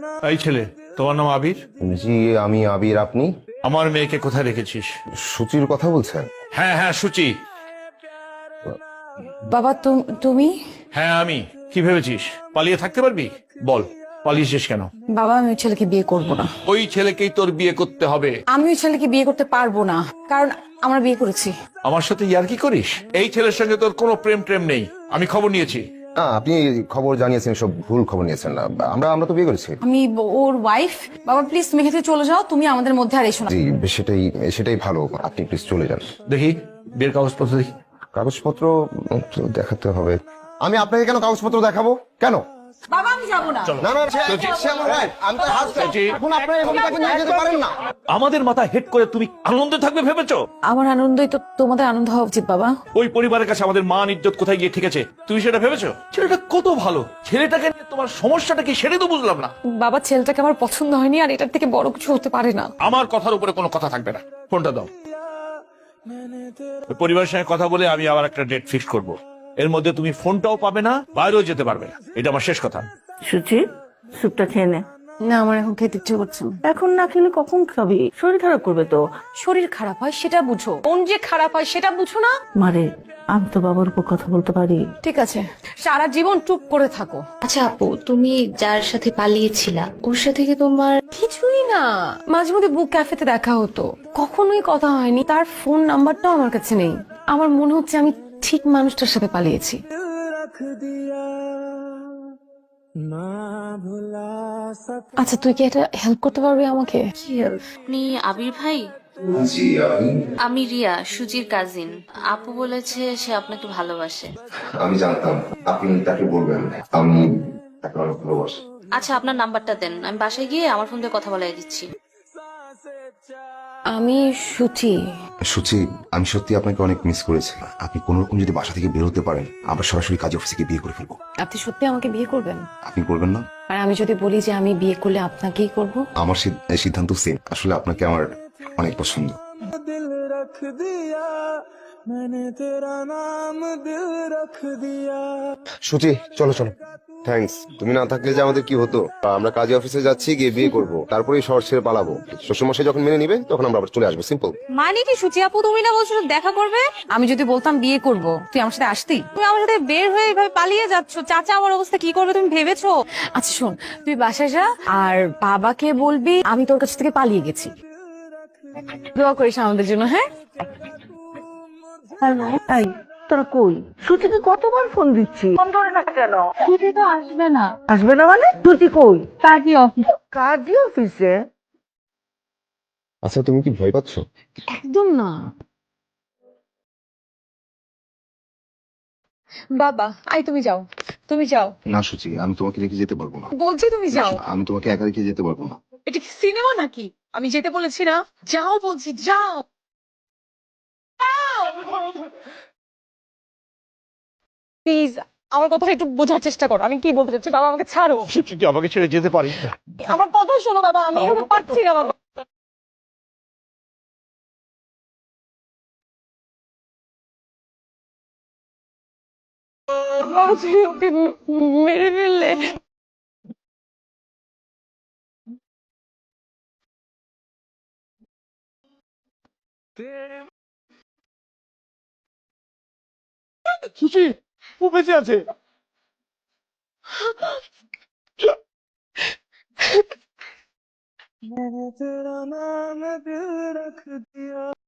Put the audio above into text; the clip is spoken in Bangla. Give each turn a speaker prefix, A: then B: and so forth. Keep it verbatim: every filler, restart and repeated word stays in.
A: এই ছেলে, তোমার নাম আবির?
B: জি আমি আবির। আপনি?
A: আমার মেয়েকে কোথায় রেখেছিস?
B: সুচির কথা বলছেন?
A: হ্যাঁ হ্যাঁ, সুচি।
C: বাবা তুম- তুমি
A: হ্যাঁ আমি। কি ভেবেছিস পালিয়ে থাকতে পারবি? বল, পালিয়েছিস কেন?
C: বাবা আমি ওই ছেলেকে বিয়ে করব না।
A: ওই ছেলেকেই তোর বিয়ে করতে হবে।
C: আমি ওই ছেলেকে বিয়ে করতে পারবো না, কারণ আমরা বিয়ে করেছি।
A: আমার সাথে ইয়ার্কি করিস? এই ছেলের সঙ্গে তোর কোনো প্রেম প্রেম নেই, আমি খবর নিয়েছি।
B: না, আপনি খবর জানিয়েছেন, সব ভুল খবর নিয়েছেন। না, আমরা আমরা তো বিয়ে করেছি।
C: আমি ব- ওর ওয়াইফ। বাবা প্লিজ তুমি এখান থেকে চলে যাও, তুমি আমাদের মধ্যে আর এসো না।
B: জি সেটাই সেটাই ভালো, আপনি প্লিজ চলে যান।
A: দেখি বিয়ের কাগজপত্র দেখি।
B: কাগজপত্র তো দেখাতে হবে। আমি আপনাকে কেন কাগজপত্র দেখাবো? কেন?
C: বাবা আমি যাবো না।
B: না না, সে- সে আমার wife, আমি তার husband। এখন আপনারা এভাবে তাকে নিয়ে যেতে পারেন না।
A: আমাদের মাথা হেড করে তুমি আনন্দে থাকবে ভেবেছো?
C: আমার আনন্দই তো তোমাদের আনন্দ হওয়া উচিত বাবা।
A: ওই পরিবারের কাছে আমাদের মান ইজ্জত কোথায় গিয়ে ঠিক আছে, তুমি সেটা ভেবেছো? ছেলেটা কত ভালো, ছেলেটাকে নিয়ে তোমার সমস্যাটা কি সেটাই তো বুঝলাম না।
C: বাবা ছেলেটাকে আমার পছন্দ হয়নি, আর এটার থেকে বড় কিছু হতে পারে না।
A: আমার কথার উপরে কোনো কথা থাকবে না, ফোনটা দাও। ওই পরিবারের সঙ্গে কথা বলে আমি আবার একটা ডেট ফিক্স করব। এর মধ্যে তুমি ফোনটাও পাবে না, বাইরেও যেতে পারবে না, এটা আমার শেষ কথা।
D: সুচি, স্যুপটা খেয়ে নে।
C: না আমার এখন খেতে ইচ্ছে করছে না।
D: এখন না খেলে কখন খাবি? শরীর খারাপ করবে তো।
C: শরীর খারাপ হয় সেটা বুঝো, কোন যে খারাপ হয় সেটা বুঝো না।
D: মারে, আমি তো বাবার উপর কথা বলতে পারি।
C: ঠিক আছে, সারা জীবন চুপ করে থাকো।
E: আচ্ছা আপু, তুমি যার সাথে পালিয়েছিলা ওর সাথে কি তোমার?
C: কিছুই না, মাঝে মধ্যে বুক ক্যাফেতে দেখা হতো, কখনোই কথা হয়নি। তার ফোন নাম্বারটাও আমার কাছে নেই। আমার মনে হচ্ছে আমি ঠিক মানুষটার সাথে পালিয়েছি। আচ্ছা তুই কি এটা হেল্প করতে পারবি আমাকে?
E: কি help? আপনি আবির ভাই? আমি রিয়া, সুজির কাজিন। আপু বলেছে সে আপনাকে ভালোবাসে।
B: আমি জানতাম আপনি তাকে বলবেন আমি তাকে অনেক ভালোবাসি।
E: আচ্ছা আপনার নাম্বারটা দেন, আমি বাসায় গিয়ে আমার ফোন দিয়ে কথা বলাই দিচ্ছি।
C: আমি সুচি।
B: সুচি, আমি সত্যি আপনাকে অনেক মিস করেছি। আপনি কোন রকম যদি বাসা থেকে বের হতে পারেন, আমরা সরাসরি কাজী অফিসে গিয়ে বিয়ে করে ফেলবো।
C: আপনি সত্যি আমাকে বিয়ে করবেন?
B: আপনি করবেন না?
C: আর আমি যদি বলি যে আমি বিয়ে করলে আপনাকেই করব?
B: আমার সিদ- সিদ্ধান্ত সেম। আসলে আপনাকে আমার অনেক পছন্দ। সুচি চলো চলো। থ্যাঙ্কস। তুমি না থাকলে যে আমাদের কি হতো। আমরা কাজী অফিসে যাচ্ছি, গিয়ে বিয়ে করব, তারপরেই শহর ছেড়ে পালাবো। শ্বশুরমশাই যখন মেনে নিবে তখন আমরা আবার চলে আসবো। সিম্পল।
C: মানে কি সুচি আপু, তুমি না বলছো দেখা করবে? আমি যদি বলতাম বিয়ে করব, তুই আমার সাথে আসতি? তুমি আমার সাথে বের হয়ে এভাবে পালিয়ে যাচ্ছ, চাচা আমার অবস্থা কি করবে তুমি ভেবেছো? আচ্ছা শোন, তুই বাসায় যা আর বাবাকে বলবি আমি তোর কাছ থেকে পালিয়ে গেছি। দোয়া করিস আমাদের জন্য, হ্যাঁ?
D: হ্যালো, এই তোরা কই? সুচিকে কতবার ফোন দিচ্ছি, ফোন ধরে না কেন?
C: সুচি তো আসবে না।
D: আসবে না মানে? সুচি কই?
C: কাজী অফিস।
D: কাজী অফিসে?
B: আচ্ছা তুমি কি ভয় পাচ্ছ?
C: একদম না বাবা। আই তুমি যাও, তুমি যাও
B: না সুচি, আমি তোমাকে রেখে যেতে পারবো না।
C: বলছি, তুমি যাও।
B: আমি তোমাকে একা রেখে যেতে পারবো না।
C: এটা কি সিনেমা নাকি? আমি যেতে বলেছি না, যাও বলছি, যাও। প্লিজ আমার কথা একটু বোঝার চেষ্টা করো, আমি কি বলতে চাচ্ছি। বাবা আমাকে ছাড়ো,
A: তুই আমাকে ছেড়ে যেতে পারিস না।
C: আমার কথা শোনো বাবা, আমি এভাবে পারছি না বাবা। বাবা, তুমি ওকে মেরে ফেললে।
A: সুচি, ও বেঁচে আছে।